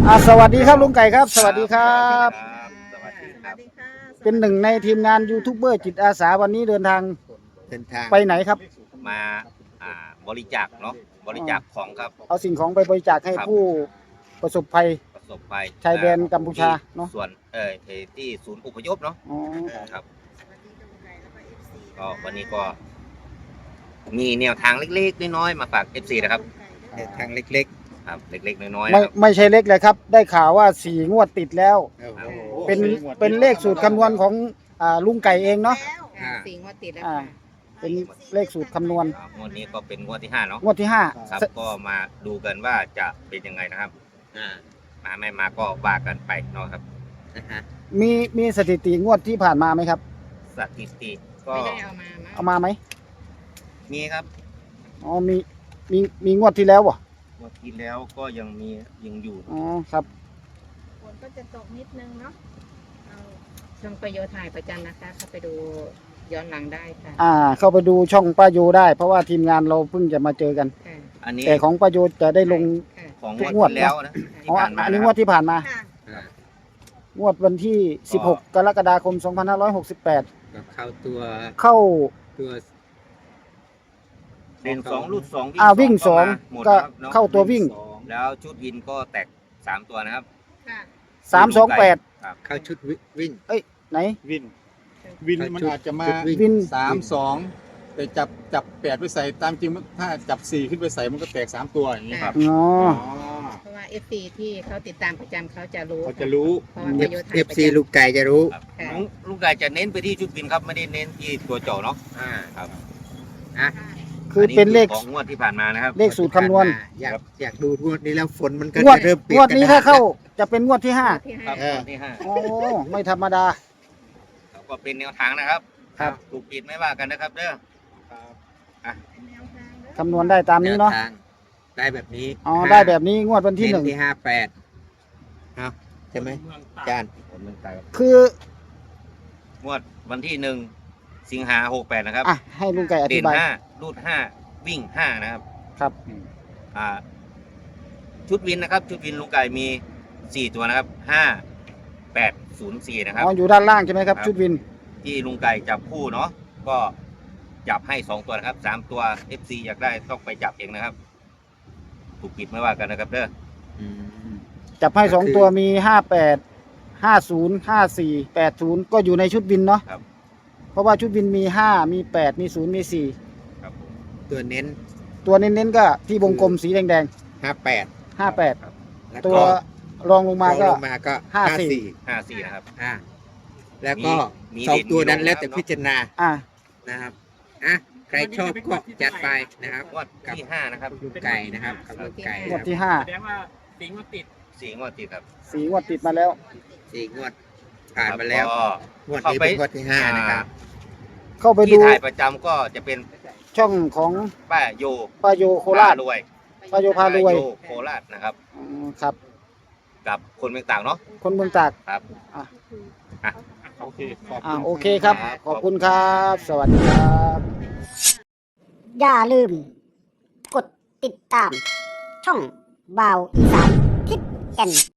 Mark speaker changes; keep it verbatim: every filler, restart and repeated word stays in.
Speaker 1: อ่าสวัสดีครับลุงไก่ครับสวัสดีครับ
Speaker 2: สวัสดีครับ
Speaker 1: เป็นหนึ่งในทีมงานยูทูบเบอร์จิตอาสาวันนี้เดินทาง
Speaker 2: เดินทาง
Speaker 1: ไปไหนครับ
Speaker 2: มาอ่าบริจาคเนาะบริจาคของครับ
Speaker 1: เอาสิ่งของไปบริจาคให้ผู้ประสบภัย
Speaker 2: ประสบภัย
Speaker 1: ชายแดนกัมพูชาเนาะ
Speaker 2: ส่วนเอ่อที่ศูนย์อพยพเนาะครับก็วันนี้ก็มีแนวทางเล็กๆน้อยๆมาฝาก เอฟ ซี นะครับแนวทางเล็กๆครับเล็กๆน้อยๆ
Speaker 1: ไม่
Speaker 2: นะครับ
Speaker 1: ไม่ใช่เล็กเลยครับได้ข่าวว่าสี่งวดติดแล้วเป็นเป็นเลขสูตรคำนวณของอ่าลุงไก่เองเนาะ
Speaker 3: สี่งวดติดแล้ว
Speaker 1: อ่า
Speaker 3: ค่ะ
Speaker 1: เป็นเลขสูตรคำนวณ
Speaker 2: งวดนี้ก็เป็นงวดที่ห้าเนาะ
Speaker 1: งวดที่ห้า
Speaker 2: ครับก็มาดูกันว่าจะเป็นยังไงนะครับมาไม่มาก็ว่ากันไปเนาะครับ
Speaker 1: มีมีสถิติงวดที่ผ่านมาไหมครับ
Speaker 2: สถิติก็
Speaker 3: ไม่ได้เอามามั้ง
Speaker 1: เอามาไหม
Speaker 2: มีครับ
Speaker 1: อ๋อมีมีมีงวดที่แล้วบ่
Speaker 2: งวดที่แล้วก็ยังมียังอยู่
Speaker 1: อ๋อครับ
Speaker 4: ฝนก็จะตกนิดนึงเนาะเอา
Speaker 3: ช่องประโยชน์ถ่ายประจำนะคะเข้าไปดูย้อนหลังได้ค่ะ
Speaker 1: อ่าเข้าไปดูช่องป้าโยได้เพราะว่าทีมงานเราเพิ่งจะมาเจอกัน
Speaker 3: ค่ะ
Speaker 2: อันนี้
Speaker 1: แต่ของป้าโยจะได้ลง
Speaker 3: ค่ะ
Speaker 2: ของ
Speaker 1: ทุก
Speaker 2: ง
Speaker 1: ง
Speaker 2: ว
Speaker 1: ว
Speaker 2: ด
Speaker 1: ด
Speaker 2: ที่แล้วนะที่
Speaker 1: อ๋อ
Speaker 2: ผ่านมา
Speaker 1: อันนี้
Speaker 2: นะ
Speaker 1: ง
Speaker 2: คว รั
Speaker 1: ด
Speaker 2: บ
Speaker 1: ที่ผ่านมา
Speaker 4: ค่ะ
Speaker 2: อ่า
Speaker 1: งวดวันที่สิบหกกรกฎาคมสองพันห้าร้อยหกสิบแปด
Speaker 5: กับเข้าตัว
Speaker 1: เข้า
Speaker 5: ตัว
Speaker 2: เด่นสองรูดสอง
Speaker 1: อ่าวิ่งสอง
Speaker 2: หมด
Speaker 1: ก็
Speaker 2: นะครับเนาะ
Speaker 1: เข้าตัววิ่ง
Speaker 2: แล้วชุดวินก็แตกสามตัวนะครับ
Speaker 4: ค่ะ
Speaker 1: สามสองแปด
Speaker 2: ครับ
Speaker 5: เข้าชุดวิวิ่ง
Speaker 1: ไหน
Speaker 6: วิน วินมัน
Speaker 5: ชุด
Speaker 6: อาจจะมา
Speaker 5: ชุดวิ่ง
Speaker 1: วิน
Speaker 6: สามสองแต่จับจับแปดไปใส่ตามจริงมันถ้าจับสี่ขึ้นไปใส่มันก็แตกสามตัวอย่างนี้
Speaker 2: ครับ
Speaker 1: อ๋อ
Speaker 6: อ๋อ
Speaker 3: เพราะว่า เอฟ ซี ที่เขาติดตามประจำเขาจะรู้
Speaker 6: เขาจะรู้
Speaker 3: เพราะว่าประโยชน์ถ่า
Speaker 5: เอย ฟ
Speaker 3: ประ
Speaker 5: ซี
Speaker 3: จำ
Speaker 5: ลูกไก่จะรู้
Speaker 2: ครับ
Speaker 3: ค่ะ
Speaker 2: ลุงลุงไก่จะเน้นไปที่ชุดวินครับไม่ได้เน้นที่ตัวเจาะเนาะ
Speaker 5: อ่า
Speaker 2: ครับ
Speaker 5: อ่ะ
Speaker 1: คือเป็นเลข
Speaker 2: ของงวดที่ผ่านมานะครับ
Speaker 1: เลขสูตรคำนวณ
Speaker 5: อยากอยากดูงวดนี้แล้วฝนมันก็
Speaker 1: งวด
Speaker 5: จะเริ่มเปลี่
Speaker 1: ง
Speaker 5: ยน
Speaker 1: วดนี้
Speaker 5: กระ
Speaker 1: ถ้า
Speaker 5: ดษ
Speaker 1: เข้าจะเป็นงวดที่ห้า
Speaker 3: ที่
Speaker 2: ครั
Speaker 3: ห้า
Speaker 2: บงวดที่ห้า
Speaker 1: โอ้ไม่ธรรมดา
Speaker 2: แล้วก็เป็นแนวทางนะครับ
Speaker 1: ครับ
Speaker 2: ถูกผิดไม่ว่ากันนะครับเด้อ
Speaker 4: แนวทางเด้อ
Speaker 1: คำนวณได้ตามนี้เนาะ
Speaker 5: แวทงได้แบบนี้
Speaker 1: อ๋อได้แบบนี้งวดวันที่หนึ่ง
Speaker 5: เที่ห้าแปดเอาใช่ไหมอาจารย์
Speaker 2: ผมเมืองไทยครับ
Speaker 1: คือ
Speaker 2: งวดวันที่หนึ่งสิงหาหกแปดนะครับ
Speaker 1: อ่ะให้ลุงไก่อ
Speaker 2: เด่
Speaker 1: ธิ
Speaker 2: น
Speaker 1: บาย
Speaker 2: ห้ารูดห้าวิ่งห้านะครับ
Speaker 1: ครับ
Speaker 2: อ่าชุดวินนะครับ ชุดวินลุงไก่มีสี่ตัวนะครับห้าแปดศูนย์สี่นะครับ
Speaker 1: อ๋ออยู่ด้านล่างใช่ไหมครับ
Speaker 2: ครับ
Speaker 1: ชุดวิน
Speaker 2: ที่ลุงไก่จับคู่เนาะก็จับให้สองตัวนะครับสามตัว เอฟ ซี อยากได้ต้องไปจับเองนะครับ ถูกผิดไม่ว่ากันนะครับเด้อ
Speaker 5: อืม
Speaker 1: จับให้สอง
Speaker 5: ก็คือ
Speaker 1: ตัวมีห้าแปดห้าศูนย์ห้าสี่แปดศูนย์ก็อยู่ในชุดวินเนาะ
Speaker 2: ครับ
Speaker 1: เพราะว่าชุดวินมีห้ามีแปดมีศูนย์มีสี่
Speaker 2: ครับผม
Speaker 5: ตัวเน้น
Speaker 1: ตัวเน้นๆก็ที่วงกลมสีแดง
Speaker 5: ห้าแปด
Speaker 1: ๆห้าแปด
Speaker 5: แล้ว
Speaker 1: ตัว
Speaker 5: ก็
Speaker 1: รองลงมาก็
Speaker 5: ลงมาก็
Speaker 1: ห้า
Speaker 5: ห้า
Speaker 1: สี่
Speaker 5: สี่
Speaker 2: ห้าสี่นะครับ
Speaker 5: อ่าแล้วก็
Speaker 2: มี
Speaker 5: สอง
Speaker 2: มี
Speaker 5: ตัวนั้น
Speaker 2: มีลง
Speaker 5: แล้วแต่
Speaker 2: นะครับ
Speaker 5: พิจารณา
Speaker 1: อ่ะ
Speaker 5: นะครับอ่ะใครชอบก็จัดไปนะครับ
Speaker 2: งวดที่ห้านะครับ
Speaker 5: ลูกไก่นะครับกับลูกไก่
Speaker 1: งวด
Speaker 5: นะค
Speaker 1: ที่
Speaker 5: รับ
Speaker 1: ห้า
Speaker 6: แสดงว่าสิงมาติด
Speaker 2: สี่งวดติดครับ
Speaker 1: สี่งวดติดมาแล้ว
Speaker 5: สี่งวดผ่านมาแล้ว
Speaker 2: ก็
Speaker 5: งวดนี้เป็นงวดที่ห้านะครับ
Speaker 1: เข้าไป
Speaker 2: ที่
Speaker 1: ดู
Speaker 2: ถ่ายประจำก็จะเป็น
Speaker 1: ช่องของ
Speaker 2: ป้าโย
Speaker 1: ป้าโยโคราช
Speaker 2: พรวย
Speaker 1: ป้าโยพารวย
Speaker 2: ป้โยโคราชนะครับ
Speaker 1: อืมครับ
Speaker 2: กับคนเมืองต่างเนาะ
Speaker 1: คนเมืองตาก
Speaker 2: ครับ
Speaker 1: อ่ะ
Speaker 6: โอเคขอบ
Speaker 1: อ่า
Speaker 6: คุณ
Speaker 1: โอเคครับ ขอบคุณครับ สวัสดีครับ
Speaker 7: อย่าลืม กดติดตาม ช่องบ่าวอีสานทิศแก่น